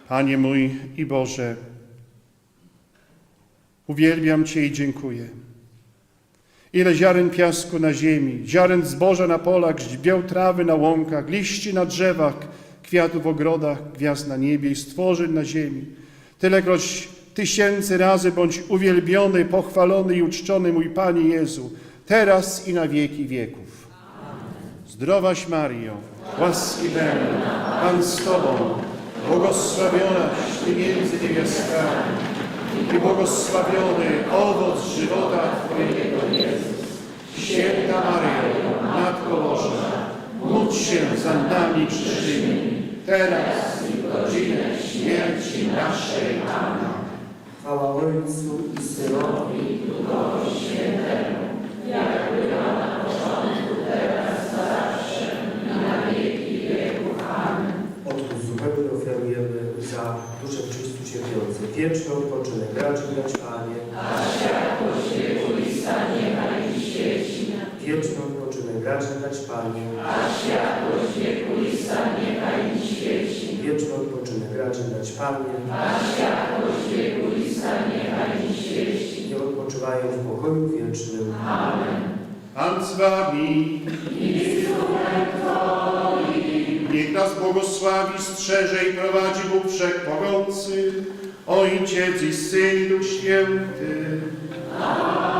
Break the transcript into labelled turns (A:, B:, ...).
A: Panie mój i Boże, uwielbiam Cię i dziękuję. Ile ziaren piasku na ziemi, ziaren zboża na polach, źdźbieł trawy na łąkach, liści na drzewach, kwiatów w ogrodach, gwiazd na niebie i stworzeń na ziemi. Tylekroć tysięcy razy bądź uwielbiony, pochwalony i uczczony mój Panie Jezu, teraz i na wieki wieków. Zdrowaś Maryjo, łaski pełna, Pan z Tobą, błogosławionaś Ty między niewiastami i błogosławiony owoc żywota Twojego, Jezus. Święta Maryjo, Matko Boża, módl się za nami grzesznymi, teraz i w godzinę śmierci naszej. Amen.
B: Chwała Ojcu i Synowi i Duchowi Świętemu, jak była na początku, teraz, zawsze i na wieki wieków. Amen.
C: Odpust zupełny ofiarujemy za duszę w Chrystu cierpiące. Wieczny odpoczynek raczy dać Panie.
B: A światłość wiekuista niechaj mi świeci.
C: Wieczny odpoczynek raczy dać Panie.
B: A światłość wiekuista niechaj mi świeci.
C: Wieczny odpoczynek raczy dać Panie.
B: A światłość wiekuista niechaj mi świeci.
C: Niech odpoczywają w pokoju wiecznym.
B: Amen.
A: Pan z Wami. Niech nas błogosławi, strzeże i prowadzi Bóg Wszechmogący, Ojciec i Syn i Duch Święty. Amen.